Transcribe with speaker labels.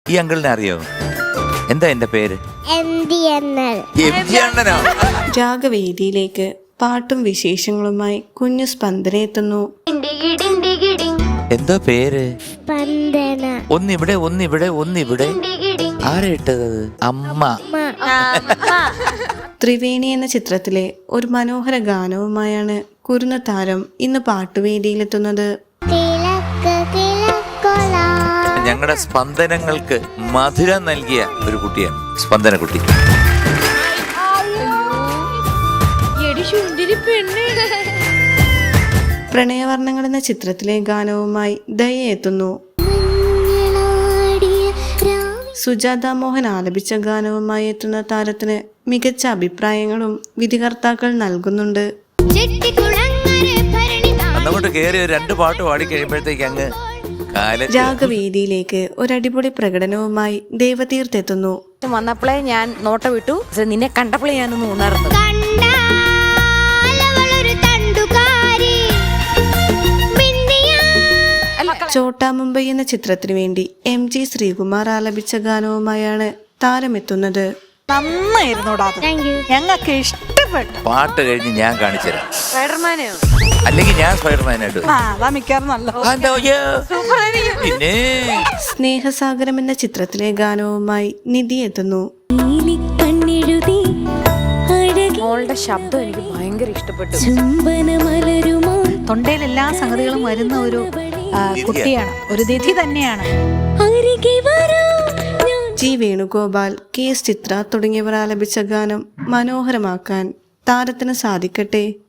Speaker 1: ഈ അങ്കിളിനെ അറിയോ? എന്താ എന്റെ പേര്?
Speaker 2: രാഗവേദിയിലേക്ക് പാട്ടും വിശേഷങ്ങളുമായി കുഞ്ഞു സ്പന്ദന എത്തുന്നു.
Speaker 1: എന്തോ പേര്? ഒന്നിവിടെ ഒന്നിവിടെ ഒന്നിവിടെ. ആരാ ഇട്ടത്? അമ്മ.
Speaker 2: ത്രിവേണി എന്ന ചിത്രത്തിലെ ഒരു മനോഹര ഗാനവുമായാണ് കുരുന്ന താരം ഇന്ന് പാട്ടുവേദിയിലെത്തുന്നത്.
Speaker 1: ഞങ്ങളുടെ സ്പന്ദനങ്ങൾക്ക് മധുരം നൽകിയ ഒരു കുട്ടിയാണ് സ്പന്ദന കുട്ടി.
Speaker 2: പ്രണയവർണ്ണങ്ങൾ എന്ന ചിത്രത്തിലെ ഗാനവുമായി ദയ എത്തുന്നു. സുജാത മോഹൻ ആലപിച്ച ഗാനവുമായി എത്തുന്ന താരത്തിന് മികച്ച അഭിപ്രായങ്ങളും വിധികർത്താക്കൾ നൽകുന്നുണ്ട്.
Speaker 1: അങ്ങോട്ട് കേറി രണ്ട് പാട്ട് പാടി കഴിയുമ്പോഴത്തേക്ക് അങ്ങ്
Speaker 2: രാഗവേദിയിലേക്ക് ഒരടിപൊളി പ്രകടനവുമായി ദേവതീർത്ത് എത്തുന്നു.
Speaker 3: വന്നപ്പോഴേ ഞാൻ നോട്ട വിട്ടു, നിന്നെ കണ്ടപ്പോഴേ ഞാനൊന്ന് ഉണർന്നു.
Speaker 2: ചോട്ടാ മുംബൈ എന്ന ചിത്രത്തിനു വേണ്ടി MG ശ്രീകുമാർ ആലപിച്ച ഗാനവുമായാണ് താരമെത്തുന്നത്.
Speaker 3: ഞങ്ങൾക്ക് ഇഷ്ടപ്പെട്ടു.
Speaker 1: പാട്ട് കഴിഞ്ഞ് ഞാൻ കാണിച്ചുതരാം.
Speaker 3: സ്പൈഡർമാനെയോ
Speaker 1: അല്ലെങ്കിൽ ഞാൻ സ്പൈഡർമാനായിട്ട്. പിന്നെ
Speaker 2: സ്നേഹസാഗരം എന്ന ചിത്രത്തിലെ ഗാനവുമായി നിധി എത്തുന്നു.
Speaker 3: മോളുടെ ശബ്ദം എനിക്ക് ഭയങ്കര ഇഷ്ടപ്പെട്ടു.
Speaker 4: തൊണ്ടയിൽ എല്ലാ സംഗതികളും വരുന്ന ഒരു കുട്ടിയാണ്, ഒരു നിധി തന്നെയാണ്.
Speaker 2: ജി വേണുഗോപാൽ, KS ചിത്ര തുടങ്ങിയവർ ആലപിച്ച ഗാനം മനോഹരമാക്കാൻ താരത്തിന് സാധിക്കട്ടെ.